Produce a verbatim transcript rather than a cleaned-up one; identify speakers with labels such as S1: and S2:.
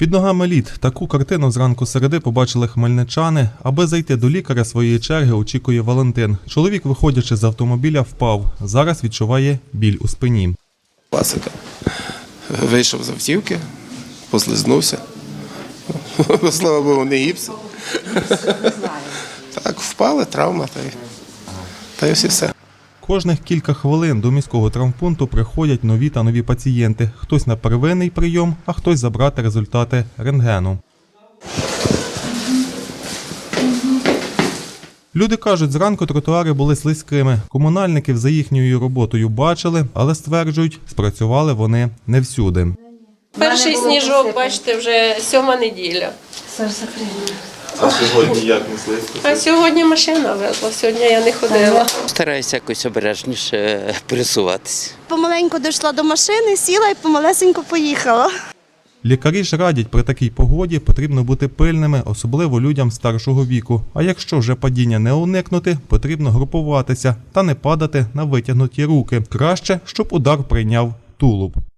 S1: Під ногами лід. Таку картину зранку середи побачили хмельничани. Аби зайти до лікаря своєї черги, очікує Валентин. Чоловік, виходячи з автомобіля, впав. Зараз відчуває біль у спині.
S2: Класика. Вийшов з автівки, послизнувся. Слава Богу, не гіпс. Так, впали, травма, та й, та й ось і все.
S1: Кожних кілька хвилин до міського травмпункту приходять нові та нові пацієнти. Хтось на первинний прийом, а хтось забрати результати рентгену. Люди кажуть, зранку тротуари були слизькими. Комунальників за їхньою роботою бачили, але стверджують, спрацювали вони не всюди.
S3: Перший сніжок, бачите, вже сьома неділя.
S1: А сьогодні як не слизько?
S3: А сьогодні машина везла, сьогодні я не ходила.
S4: Стараюся якось обережніше пересуватися.
S5: Помаленьку дійшла до машини, сіла і помалесенько поїхала.
S1: Лікарі ж радять, при такій погоді потрібно бути пильними, особливо людям старшого віку. А якщо вже падіння не уникнути, потрібно групуватися та не падати на витягнуті руки. Краще, щоб удар прийняв тулуб.